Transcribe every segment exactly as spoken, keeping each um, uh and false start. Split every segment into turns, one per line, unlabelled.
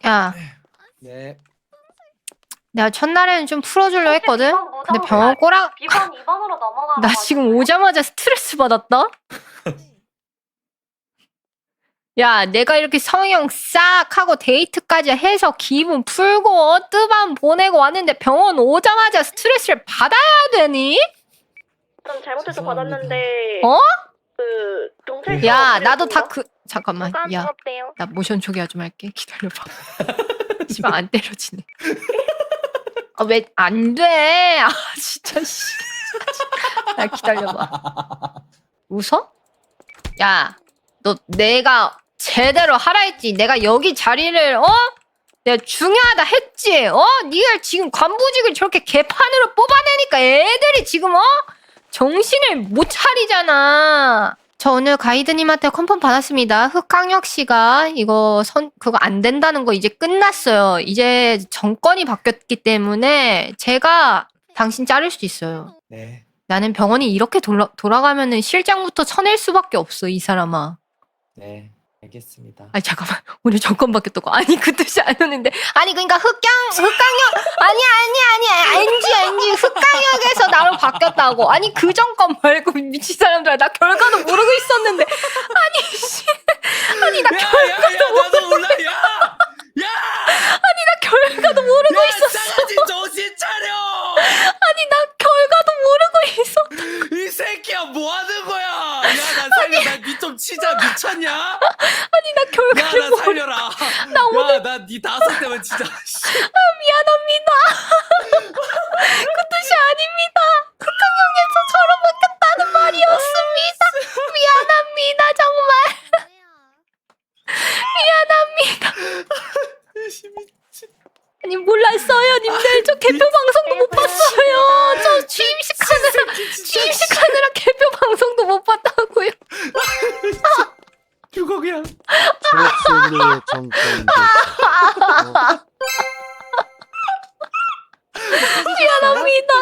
야,
네.
내가 첫날에는 좀 풀어주려 했거든?
비번 무덤
근데 병원 꼬라,
비번 이 번으로 넘어가.
나 지금 오자마자 스트레스 받았다? 야, 내가 이렇게 성형 싹 하고 데이트까지 해서 기분 풀고 뜨밤 보내고 왔는데 병원 오자마자 스트레스를 받아야 되니?
좀 잘못해서
죄송합니다.
받았는데.
어?
그 경찰서.
야, 나도 다 그, 잠깐만. 야,
부끄럽대요.
나 모션 초기화 좀 할게. 기다려봐. 씨발, 안 때려지네. 아, 왜, 안 돼. 아, 진짜, 씨. 나 기다려봐. 웃어? 야, 너 내가 제대로 하라 했지. 내가 여기 자리를, 어? 내가 중요하다 했지. 어? 니가 지금 관부직을 저렇게 개판으로 뽑아내니까 애들이 지금, 어? 정신을 못 차리잖아. 저 오늘 가이드님한테 컨펌 받았습니다. 흑강혁 씨가 이거 선 그거 안 된다는 거 이제 끝났어요. 이제 정권이 바뀌었기 때문에 제가 당신 자를 수 있어요.
네.
나는 병원이 이렇게 돌아, 돌아가면은 실장부터 쳐낼 수밖에 없어, 이 사람아.
네. 알겠습니다.
아니 잠깐만, 오늘 정권 바뀌었다고. 아니 그 뜻이 아니었는데. 아니 그러니까 흑강 흑강혁 아니 아니 아니 엔지 엔지 흑강혁에서 나로 바뀌었다고. 아니 그 정권 말고 미친 사람들아, 나 결과도 모르고 있었는데. 아니 씨, 아니 나
야,
결과도
야, 야,
모르,
나도 몰라. 야! 야!
아니 나 결과도 모르고
야,
있었어.
싸가지 정신 차려!
아니 나 결과도 모르고 있어.
이 새끼야, 뭐 하는 거야? 야, 나 살려. 나 니 좀 치자. 미쳤냐?
아니 나
야,
결과를
나
모르.
살려라.
나 오늘-
야, 나 니 다섯 대면 진짜.
미안합니다. 그 뜻이 아닙니다. 흑강혁에서 저로 바뀌었다는 말이었습니다. 미안합니다, 정말. 미안합니다. 아니 몰랐어요, 님들. 저 개표 방송도 못 봤어요. 저 취임식 하느라 취임식 하느라 개표 방송도 못 봤다고요.
죽어 그냥.
초록색의 정권
미안합니다.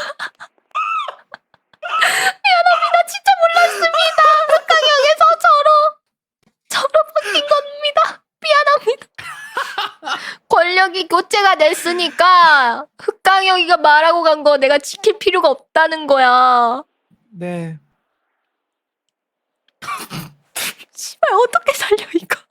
미안합니다. 진짜 몰랐습니다. 흑강혁에서 저로 저로 바뀐 겁니다. 미안합니다. 권력이 교체가 됐으니까 흑강혁이가 말하고 간 거 내가 지킬 필요가 없다는 거야.
네.
씨발 어떻게 살려 이거?